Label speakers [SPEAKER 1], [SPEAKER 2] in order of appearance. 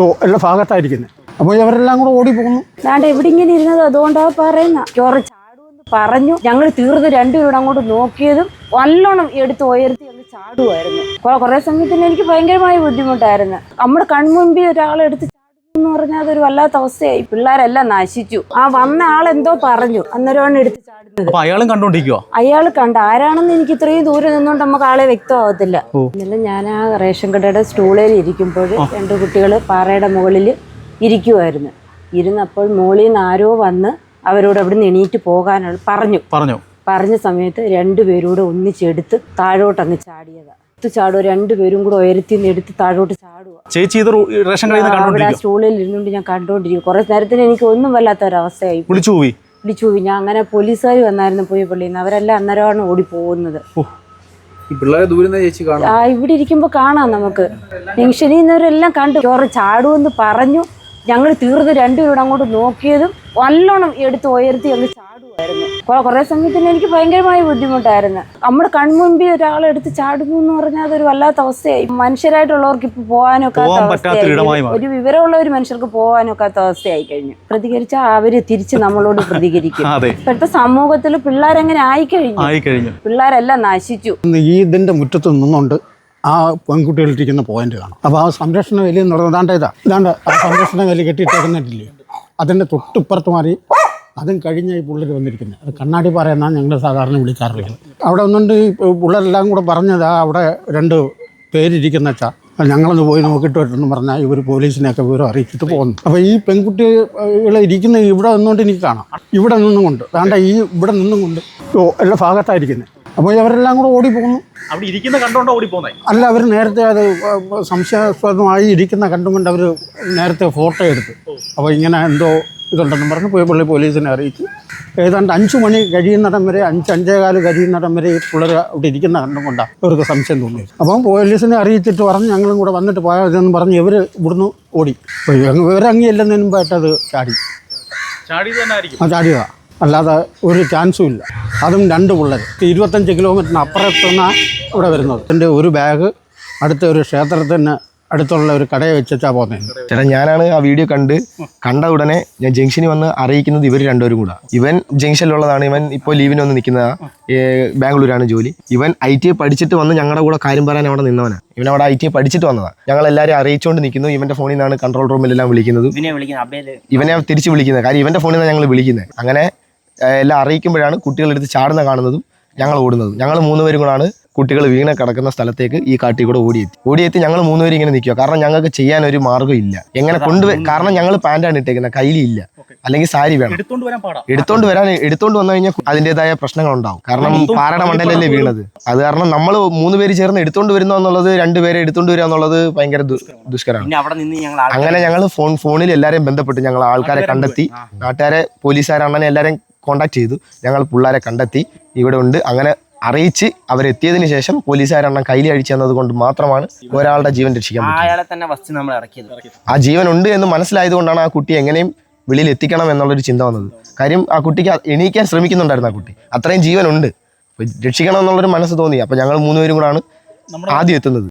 [SPEAKER 1] എല്ലാ ഭാഗത്തായിരിക്കുന്നത്. അപ്പോൾ ഇവരെല്ലാം കൂടെ ഓടിപ്പോകുന്നു.
[SPEAKER 2] അതാണ്ട് ഇവിടെ ഇങ്ങനെ ഇരുന്നത് അതുകൊണ്ടാ പറയുന്ന ചോറ് ചാടുമെന്ന് പറഞ്ഞു. ഞങ്ങൾ തീർന്ന് രണ്ടുപേരും അങ്ങോട്ട് നോക്കിയതും നല്ലോണം എടുത്ത് ഉയർത്തി ഒന്ന് ചാടുമായിരുന്നു. കുറേ സമയത്തിന് എനിക്ക് ഭയങ്കരമായ ബുദ്ധിമുട്ടായിരുന്നു. നമ്മുടെ കൺമുമ്പിൽ ഒരാളെടുത്ത് എന്ന് പറഞ്ഞാൽ അതൊരു വല്ലാത്ത അവസ്ഥയായി. പിള്ളേരെല്ലാം നശിച്ചു. ആ വന്ന ആളെന്തോ പറഞ്ഞു, അന്നേരമാണ് എടുത്ത് ചാടുന്നത്.
[SPEAKER 3] അയാളും കണ്ടോണ്ടിരിക്കുവോ?
[SPEAKER 2] അയാൾ കണ്ട ആരാണെന്ന് എനിക്ക് ഇത്രയും ദൂരം നിന്നോണ്ട് നമുക്ക് ആളെ വ്യക്തമാകത്തില്ല. ഇന്നലെ ഞാൻ ആ റേഷൻ കടയുടെ സ്റ്റൂളിൽ ഇരിക്കുമ്പോൾ രണ്ട് കുട്ടികൾ പാറയുടെ മുകളിൽ ഇരിക്കുമായിരുന്നു. ഇരുന്നപ്പോൾ മുകളിൽ നിന്ന് ആരോ വന്ന് അവരോട് അവിടെ നിന്ന് എണീറ്റ് പോകാനുള്ള പറഞ്ഞ സമയത്ത് രണ്ടുപേരൂടെ ഒന്നിച്ചെടുത്ത് താഴോട്ടങ്ങ് ചാടിയതാ. ചാടുക രണ്ടുപേരും കൂടെ ഉയരത്തിൽ നിന്ന് എടുത്ത് താഴോട്ട് ചാടുക.
[SPEAKER 3] ചേച്ചി
[SPEAKER 2] അവിടെ ആ സ്റ്റൂളിൽ ഇരുന്നുകൊണ്ട് ഞാൻ കണ്ടോണ്ടിരിക്കും. കുറെ നേരത്തിന് എനിക്ക് ഒന്നും വല്ലാത്ത ഒരവസ്ഥയായി. വിളിച്ചു പോയി. ഞാൻ അങ്ങനെ പോലീസുകാർ വന്നായിരുന്നു പോയി പള്ളിയിൽ നിന്ന്. അവരെല്ലാം അന്നേരമാണ് ഓടി പോകുന്നത്. ഇവിടെ ഇരിക്കുമ്പോ കാണാം നമുക്ക്. ജംഗ്ഷനിൽ കണ്ടു. ചോറ് ചാടുമെന്ന് പറഞ്ഞു. ഞങ്ങൾ തീർന്ന് രണ്ടുപേരും അങ്ങോട്ട് നോക്കിയതും നല്ലോണം എടുത്ത് ഉയർത്തി അങ്ങ് ചാടുമായിരുന്നു. കുറേ സമയത്തിന് എനിക്ക് ഭയങ്കരമായ ബുദ്ധിമുട്ടായിരുന്നു. നമ്മുടെ കൺമുമ്പിൽ ഒരാളെടുത്ത് ചാടുന്നു എന്ന് പറഞ്ഞാൽ അതൊരു വല്ലാത്ത അവസ്ഥയായി. മനുഷ്യരായിട്ടുള്ളവർക്ക് ഇപ്പൊ പോകാനൊക്കാത്ത അവസ്ഥയായി. ഒരു വിവരമുള്ള ഒരു മനുഷ്യർക്ക് പോകാനൊക്കാത്ത അവസ്ഥയായി കഴിഞ്ഞു. പ്രതികരിച്ചാൽ അവര് തിരിച്ച് നമ്മളോട് പ്രതികരിക്കും. ഇപ്പോഴത്തെ സമൂഹത്തിൽ പിള്ളേരെങ്ങനെ ആയിക്കഴിഞ്ഞു. പിള്ളേരെല്ലാം നശിച്ചു.
[SPEAKER 1] ഈ ഇതിന്റെ മുറ്റത്ത് നിന്നുകൊണ്ട് ആ പെൺകുട്ടികളിരിക്കുന്ന പോയിന്റ് കാണാം. അപ്പോൾ ആ സംരക്ഷണ വേലി എന്ന് പറയുന്നത് ഇതാണ്ട് ആ സംരക്ഷണ വേലി കെട്ടിയിട്ടേക്കുന്നില്ലേ, അതിൻ്റെ തൊട്ടിപ്പുറത്ത് മാറി അതും കഴിഞ്ഞ ഈ പിള്ളേർ വന്നിരിക്കുന്നത്. അത് കണ്ണാടി പറയുന്നതാണ് ഞങ്ങൾ സാധാരണ വിളിക്കാറുള്ളത്. അവിടെ ഒന്നുകൊണ്ട് ഈ പിള്ളേരെല്ലാം കൂടെ പറഞ്ഞത് അവിടെ രണ്ട് പേരിരിക്കുന്ന വെച്ചാൽ ഞങ്ങളൊന്ന് പോയി നോക്കിയിട്ട് വരട്ടെന്ന് പറഞ്ഞാൽ ഇവർ പോലീസിനെയൊക്കെ വിവരം അറിയിച്ചിട്ട് പോകുന്നു. അപ്പോൾ ഈ പെൺകുട്ടികൾ ഇരിക്കുന്ന ഇവിടെ നിന്നുകൊണ്ട് എനിക്ക് കാണാം. ഇവിടെ നിന്നും കൊണ്ട് വേണ്ട ഈ ഇവിടെ നിന്നും കൊണ്ട് എല്ലാ ഭാഗത്തായിരിക്കുന്നത്. അപ്പോൾ ഇവരെല്ലാം കൂടെ ഓടിപ്പോകുന്നു. അല്ല, അവർ നേരത്തെ അത് സംശയാസ്പദമായി ഇരിക്കുന്ന കണ്ടുകൊണ്ട് അവർ നേരത്തെ ഫോട്ടോ എടുത്തു. അപ്പോൾ ഇങ്ങനെ എന്തോ ഇതുണ്ടെന്ന് പറഞ്ഞ് പോയി പോലീസിനെ അറിയിച്ചു. ഏതാണ്ട് 5 മണി കഴിയുന്നിടം വരെ 5-5:15 കഴിയുന്നിടം വരെ ഈ പിള്ളേർ അവിടെ ഇരിക്കുന്ന കണ്ടുകൊണ്ടാണ് അവർക്ക് സംശയം തോന്നി. അപ്പം പോലീസിനെ അറിയിച്ചിട്ട് പറഞ്ഞ് ഞങ്ങളും കൂടെ വന്നിട്ട് പോയതെന്ന് പറഞ്ഞ് ഇവർ ഇവിടുന്ന് ഓടി. ഇവരങ്ങിയില്ലെന്നതിന് മുമ്പായിട്ട് അത് ചാടിയതാണ്. അല്ലാതെ ഒരു ചാൻസും ഇല്ല. അതും 2 പിള്ളേർ 25 കിലോമീറ്ററിന് അപ്പുറത്തുനിന്നാണ് ഇവിടെ വരുന്നത്. എൻ്റെ ഒരു ബാഗ് അടുത്ത ഒരു ക്ഷേത്രത്തിന് അടുത്തുള്ള ഒരു കടയെ വെച്ചാ പോകുന്നത്.
[SPEAKER 4] ചേട്ടാ, ഞാനാണ് ആ വീഡിയോ കണ്ട ഉടനെ ഞാൻ ജംഗ്ഷനിൽ വന്ന് അറിയിക്കുന്നത് ഇവർ രണ്ടുപേരും കൂടെ. ഇവൻ ജംഗ്ഷനിലുള്ളതാണ്. ഇവൻ ഇപ്പോൾ ലീവിന് വന്ന് നിൽക്കുന്നതാണ്. ബാംഗ്ലൂരാണ് ജോലി. ഇവൻ ITI പഠിച്ചിട്ട് വന്ന് ഞങ്ങളുടെ കൂടെ കാര്യം പറയാൻ അവിടെ നിന്നവനാണ്. ഇവൻ അവിടെ ITI പഠിച്ചിട്ട് വന്നതാണ്. ഞങ്ങൾ എല്ലാവരും അറിയിച്ചുകൊണ്ട് നിൽക്കുന്നു. ഇവൻ്റെ ഫോണിൽ നിന്നാണ് കൺട്രോൾ റൂമിലെല്ലാം വിളിക്കുന്നത്. ഇവനെ തിരിച്ച് വിളിക്കുന്നത്. കാര്യം ഇവൻ്റെ ഫോണിൽ നിന്നാണ് ഞങ്ങൾ വിളിക്കുന്നത്. അങ്ങനെ എല്ലാം അറിയിക്കുമ്പോഴാണ് കുട്ടികളെടുത്ത് ചാടുന്ന കാണുന്നതും ഞങ്ങൾ ഓടുന്നതും. ഞങ്ങൾ 3 പേരും കൂടാണ് കുട്ടികൾ വീണ് കിടക്കുന്ന സ്ഥലത്തേക്ക് ഈ കാട്ടിൽ കൂടെ ഓടിയെത്തി ഞങ്ങൾ 3 പേരും ഇങ്ങനെ നിൽക്കുക. കാരണം ഞങ്ങൾക്ക് ചെയ്യാനൊരു മാർഗ്ഗം ഇല്ല. എങ്ങനെ കാരണം ഞങ്ങൾ പാൻറ്റാണ് ഇട്ടേക്കുന്നത്, കയ്യിലില്ല. അല്ലെങ്കിൽ സാരി വേണം. എടുത്തോണ്ട് വന്നു കഴിഞ്ഞാൽ അതിൻ്റെതായ പ്രശ്നങ്ങൾ ഉണ്ടാവും. കാരണം പാറയുടെ മണ്ടലല്ലേ വീണത്. അത് കാരണം നമ്മൾ 3 പേര് ചേർന്ന് എടുത്തോണ്ട് വരുന്നു എന്നുള്ളത്, 2 പേരെ എടുത്തോണ്ട് വരിക എന്നുള്ളത് ഭയങ്കര ദുഷ്കരമാണ്. അങ്ങനെ ഞങ്ങൾ ഫോണിൽ എല്ലാവരെയും ബന്ധപ്പെട്ട് ഞങ്ങൾ ആൾക്കാരെ കണ്ടെത്തി. നാട്ടുകാരെ, പോലീസുകാരണ്ണനെ എല്ലാവരെയും കോണ്ടാക്ട് ചെയ്തു. ഞങ്ങൾ പിള്ളേരെ കണ്ടെത്തി ഇവിടെ ഉണ്ട്. അങ്ങനെ അറിയിച്ച് അവരെത്തിയതിനു ശേഷം പോലീസുകാരെണ്ണം കയ്യിൽ അഴിച്ചു തന്നത് കൊണ്ട് മാത്രമാണ് ഒരാളുടെ ജീവൻ രക്ഷിക്കാൻ പറ്റിയത്. ആ ജീവൻ ഉണ്ട് എന്ന് മനസ്സിലായത് കൊണ്ടാണ് ആ കുട്ടി എങ്ങനെയും വെളിയിൽ എത്തിക്കണം എന്നുള്ളൊരു ചിന്ത വന്നത്. കാര്യം ആ കുട്ടിക്ക് എണീക്കാൻ ശ്രമിക്കുന്നുണ്ടായിരുന്നു. ആ കുട്ടി അത്രയും ജീവനുണ്ട്, രക്ഷിക്കണം എന്നുള്ളൊരു മനസ്സ് തോന്നി. അപ്പോൾ ഞങ്ങൾ 3 പേരും കൂടാണ് ആദ്യം എത്തുന്നത്.